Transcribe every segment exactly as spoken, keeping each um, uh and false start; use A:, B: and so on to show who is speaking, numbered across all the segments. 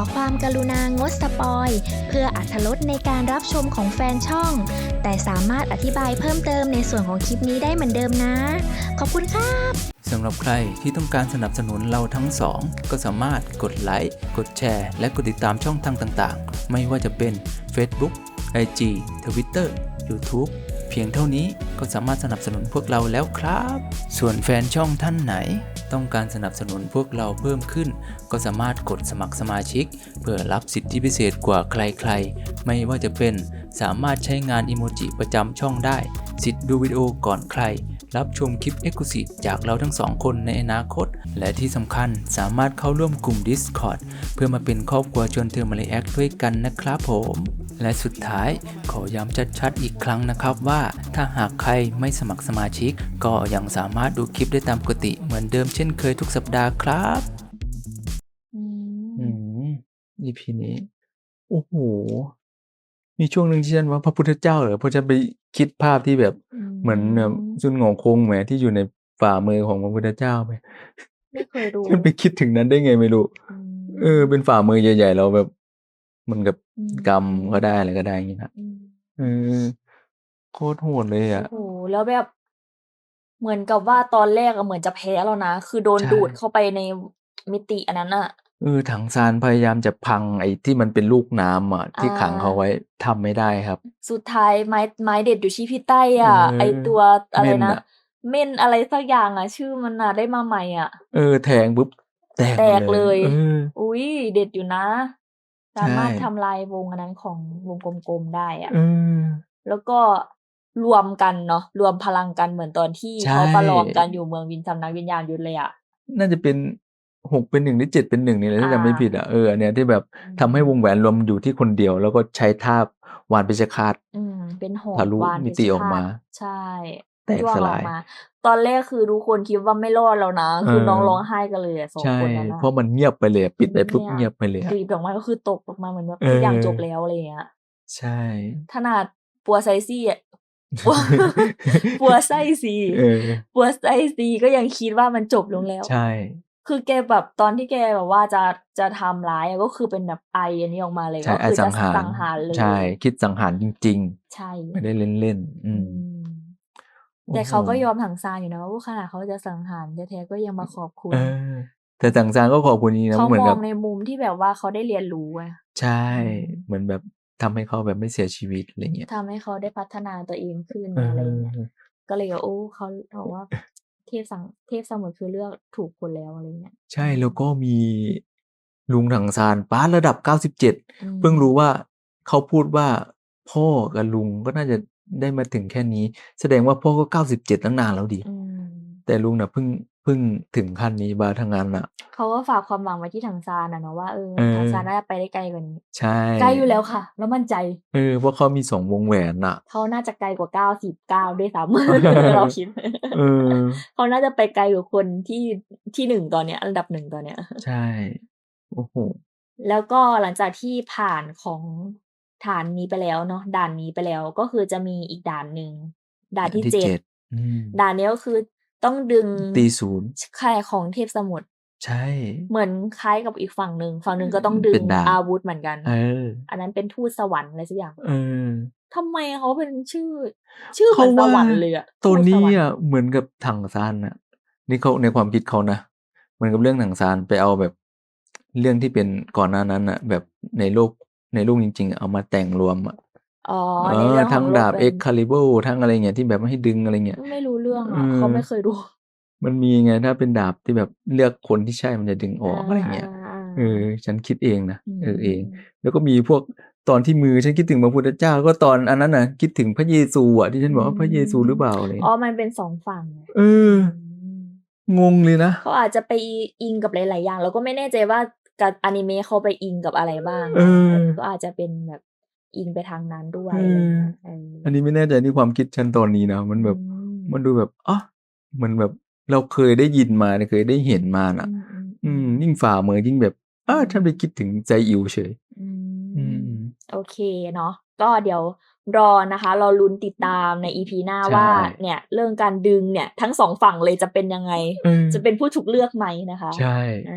A: ความกรุณางดสปอยเพื่ออรรถรสในการรับชมของแฟนช่องแต่สามารถอธิบายเพิ่มเติมในส่วนของคลิปนี้ได้เหมือนเดิมนะขอบคุณครับ
B: สำหรับใครที่ต้องการสนับสนุนเราทั้งสองก็สามารถกดไลค์กดแชร์และกดติดตามช่องทางต่างๆไม่ว่าจะเป็น Facebook ไอ จี Twitter YouTube เพียงเท่านี้ก็สามารถสนับสนุนพวกเราแล้วครับส่วนแฟนช่องท่านไหนต้องการสนับสนุนพวกเราเพิ่มขึ้นก็สามารถกดสมัครสมาชิกเพื่อรับสิทธิพิเศษกว่าใครๆไม่ว่าจะเป็นสามารถใช้งานอิโมจิประจำช่องได้สิทธิ์ดูวิดีโอก่อนใครรับชมคลิป Exclusive จากเราทั้งสองคนในอนาคตและที่สำคัญสามารถเข้าร่วมกลุ่ม Discord เพื่อมาเป็นครอบครัวชวนเธอมาเลแอคด้วยกันนะครับผมและสุดท้ายขอย้ำชัดๆอีกครั้งนะครับว่าถ้าหากใครไม่สมัครสมาชิกก็ยังสามารถดูคลิปได้ตามปกติเหมือนเดิมเช่นเคยทุกสัปดาห์ครับอืม อี พี นี้โอ้โหมีช่วงหนึ่งที่ฉันว่าพระพุทธเจ้าเหรอเพราะฉันไปคิดภาพที่แบบเหมือนแบบซุนหงอคงแหมที่อยู่ในฝ่ามือของพระพุทธเจ้าไป
A: ไม่เคยดู
B: ฉันไปคิดถึงนั้นได้ไงไม่รู้เออเป็นฝ่ามือใหญ่ๆเราแบบมันกับกำก็ได้อะไรก็ได้อย่างนี้นะเออโคตรโหดเลยอ่ะ
A: โอ้โหแล้วแบบเหมือนกับว่าตอนแรกอะเหมือนจะแพ้แล้วนะคือโดนดูดเข้าไปในมิติอันนั้นอะ
B: เออถังซานพยายามจะพังไอ้ที่มันเป็นลูกน้ำอ่ะที่ขังเขาไว้ทำไม่ได้ครับ
A: สุดท้ายไม้ไม้เด็ดอยู่ที่พี่ใต้อ่ะไอตัวอะไรนะเม่นอะไรสักอย่างอ่ะชื่อมันอ่ะได้มาใหม่อ่ะ
B: เออแทงปุ๊บแตก
A: แตกเลย
B: เออ
A: อุ้ยเด็ดอยู่นะสามารถทำลายวงอันนั้นของวงกลมๆได้อ่ะแล้วก็รวมกันเนาะรวมพลังกันเหมือนตอนที่เขาประลองกันอยู่เมืองวินสำนักวิญญาณยุทธเลยอ่ะ
B: น่าจะเป็นหกเป็นหนึ่งหรือเจ็ดเป็นหนึ่งนี่แหละถ้าจำไม่ผิดอ่ะเอออันเนี้ยที่แบบทำให้วงแหวนรวมอยู่ที่คนเดียวแล้วก็ใช้ท่าวานเพชฌฆาต
A: อืมเป็นหอก
B: ทะลุ
A: วาน
B: มิติออกมา
A: ใช่
B: แตกสลาย
A: ตอนแรกคือทุกคนคิดว่าไม่รอดแล้วนะคือน้องร้องไห้กันเลยอ่ะสองคนนั้น
B: เพราะมันเงียบไปเลยปิดไปปุ๊บเงียบไปเลย
A: กรีบออกมาก็คือตกออกมาเหมือนแบบทุกอย่างจบแล้วอะไรอย่างเงี้ย
B: ใช่
A: ขนาดปัวไซซี่อ่ะปัวไซซีปัวไซซีก็ยังคิดว่ามันจบลงแล้ว
B: ใช่
A: คือแกแบบตอนที่แกแบบว่าจะจะทำร้ายก็คือเป็นแบบไออันนี้ออกมาเลยก็คือจะสังหารเลย
B: ใช่คิดสังหารจริง
A: ๆใช่
B: ไม่ได้เล่นๆอืม
A: แต่เขาก็ยอมถังซานอยู่นะว่าขนาดเขาจะสังหารแท้ๆก็ยังมาขอบคุณ
B: แต่ถังซานก็ขอบคุณนี้นะ
A: เขา
B: เหมือน
A: ม
B: กับ
A: องในมุมที่แบบว่าเขาได้เรียนรู้ไง
B: ใช่เหมือนแบบทำให้เขาแบบไม่เสียชีวิตอะไรเงี้ย
A: ทำให้เขาได้พัฒนาตัวเองขึ้นอะไรเงี้ยก็เลยโอ้เขาบอกว่าเทพสังเทพสมุทรคือเลือกถูกคนแล้วอะไรเงี้ย
B: ใช่แล้วก็มีลุงถังซานป้าระดับเก้าสิบเจ็ดเพิ่งรู้ว่าเขาพูดว่าพ่อกับลุงก็น่าจะได้มาถึงแค่นี้แสดงว่าพ่อก็เก้าสิบเจ็ดตั้งนานแล้วดิแต่ลุงน่ะเพิ่งเพิ่งถึงขั้นนี้บาทั้งนั้นน่ะ
A: เขาก็ฝากความหวังไว้ที่ถังซานน่ะเนาะว่าเออถังซานน่าจะไปได้ไกลกว่านี้
B: ใช่
A: ไกลอยู่แล้วค่ะแล้วมั่นใจ
B: เออเพราะเขามีสองวงแหวนน่ะ
A: เขาน่าจะไกลกว่าเก้าสิบเก้าด้วยซ้ำเราคิด
B: เออ
A: เขาน่าจะไปไกลกว่าคนที่ที่หนึ่งตอนเนี้ยอันดับหนึ่งตอนเนี้ย
B: ใช่โอ้โฮ
A: แล้วก็หลังจากที่ผ่านของฐานนี้ไปแล้วเนาะด่านนี้ไปแล้วก็คือจะมีอีกด่านหนึ่งด่านที่เจ็ดด่านนี้ก็คือต้องดึง
B: ตีศูนย์
A: ใช่ของเทพสมุทร
B: ใช่
A: เหมือนคล้ายกับอีกฝั่งหนึ่งฝั่งหนึ่งก็ต้องดึงอาวุธเหมือนกันอันนั้นเป็นทูตสวรรค์อะไรสักอย่างทำไมเขาเป็นชื่อชื่อเหมือนสวรรค์เลยอะ
B: ตัวนี้อะเหมือนกับถังซานน่ะนี่เขาในความคิดเขานะเหมือนกับเรื่องถังซานไปเอาแบบเรื่องที่เป็นก่อนหน้านั้นน่ะแบบในโลกในโลกจริงๆเอามาแต่งรวมอะ
A: อ๋อในเรื่องของ
B: ทั้งดาบ Excalibur ทั้งอะไรเงี้ยที่แบบให้ดึงอะไรเงี้ย
A: ไม่รู้เรื่องอะเขาไม่เคยดู
B: มันมีไงถ้าเป็นดาบที่แบบเลือกคนที่ใช่มันจะดึงออกอะไรเงี้ยเออฉันคิดเองนะเออเองแล้วก็มีพวกตอนที่มือฉันคิดถึงพระพุทธเจ้าก็ตอนอันนั้นน่ะคิดถึงพระเยซูอะที่ฉันบอกว่าพระเยซูหรือเปล่าอะไร
A: อ๋อมันเป็นสองฝั่ง
B: เอองงเลยนะ
A: เขาอาจจะไปอิงกับหลายๆอย่างแล้วก็ไม่แน่ใจว่ากับอนิเมะเขาไปอิงกับอะไรบ้างก็อาจจะเป็นแบบอิงไปทางนั้นด้วย
B: อันนี้ไม่แน่ใจนี่ความคิดฉันตอนนี้นะมันแบบมันดูแบบอ๋อมันแบบเราเคยได้ยินมาเคยได้เห็นมาน่ะอืมยิ่งฝ่ามือยิ่งแบบอ้าฉันไปคิดถึงใจอิวเฉย
A: อืมโอเคเนาะก็เดี๋ยวรอนะคะรอลุ้นติดตามใน อี พี หน้าว่าเนี่ยเรื่องการดึงเนี่ยทั้งสองฝั่งเลยจะเป็นยังไงจะเป็นผู้ถูกเลือกไหมนะคะ
B: ใช่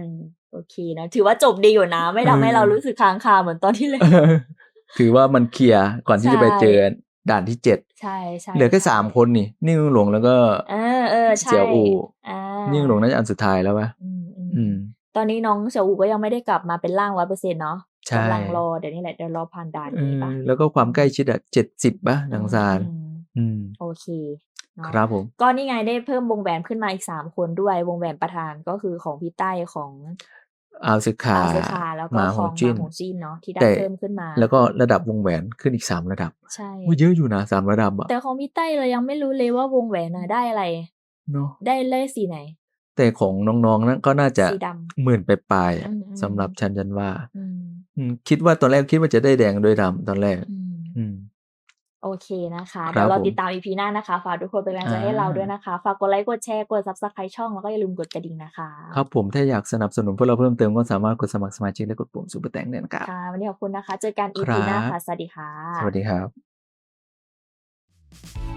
A: โอเคเนาะถือว่าจบดีอยู่นะ ไม่
B: เอ
A: ทำให้เรา
B: อ
A: รู้สึกค้างคาเหมือนตอนที่ เล่น
B: ถือว่ามันเคลียร์ก่อน
A: ใช
B: ที่จะไปเจอ่ ด่านที่ เจ็ด
A: ใช่
B: เหลือแค่
A: ๆ
B: สาม คนนี่ นิ่ง หลง แล้วก็
A: เออ ๆ ใช
B: เสี่ยวอู่
A: อา
B: นิ่ง หลงน่าจะอันสุดท้ายแล้วเปล่า?
A: อืม
B: อืม
A: ๆ ตอนนี้น้องเสี่ยวอู่ก็ยังไม่ได้กลับมาเป็นร่าง ร้อยเปอร์เซ็นต์ เนาะ
B: ใช่
A: กำลังรอ เดี๋ยวนี้แหละ เดี๋ยวรอผ่านด่าน
B: เออ
A: นี้เปล่า?
B: แล้วก็ความใกล้ชิดอะ เจ็ดสิบ เปล่า
A: อื
B: หนังซาน
A: ม
B: อืม
A: ๆ โอเคเนาะ
B: ครับผม
A: ก็นี่ไงได้เพิ่มวงแหวนขึ้นมาอีก สาม คนด้วย วงแหวนประธานก็คือของพี่ใต้ ของ
B: อาวซึคา
A: อาวซึคา แล้ว
B: ห
A: ก็
B: มา
A: ข
B: โห
A: อง
B: จิ้น
A: มาโหจิ้นเนาะ ที่ได้
B: แต่
A: เพิ่มขึ้นมา
B: แล้วก็ระดับวงแหวนขึ้นอีก สาม ระดับ
A: ใช่
B: โอ้ เยอะอยู่นะ สาม ระดับอะ
A: แต่ของพี่ใต้เรายังไม่รู้เลยว่าวงแหวนน่ะได้อะไร
B: เนาะ
A: ได้ ได้สีไหน?
B: แต่ของน้อง ๆ นั้น ก็น่าจะ
A: สีดำ
B: หมื่น ปลาย ๆ อ
A: อื
B: ะ
A: ม
B: สำหรับฉัน ฉันว่า
A: ๆ อืม
B: อืม คิดว่า ตอนแรกคิดว่าจะได้แดงด้วยดำตอนแรก
A: อืม
B: อืม
A: โอเคนะคะ
B: ค
A: เดี๋ยวรอ
B: ผม
A: ติดตาม อี พี หน้านะคะ ฝากทุกคนเป็นกำลังใจให้เราด้วย
B: อา
A: นะคะ ฝากกดไลค์ กดแชร์ กด Subscribe ช่อง แล้วก็อย่าลืมกดกระดิ่งนะคะ
B: ครับผม ถ้าอยากสนับสนุนพวกเราเพิ่มเติม ก็สามารถกดสมัครสมาชิก และกดปุ่ม Super Thanks ได้นะครับ
A: ค่ะ วันนี้ขอบคุณนะคะ เจอกัน อี
B: คร
A: พี
B: ั
A: หน้า
B: บ
A: ค่ะ สวัสดีค่
B: สวัส
A: ะ
B: ดีครับ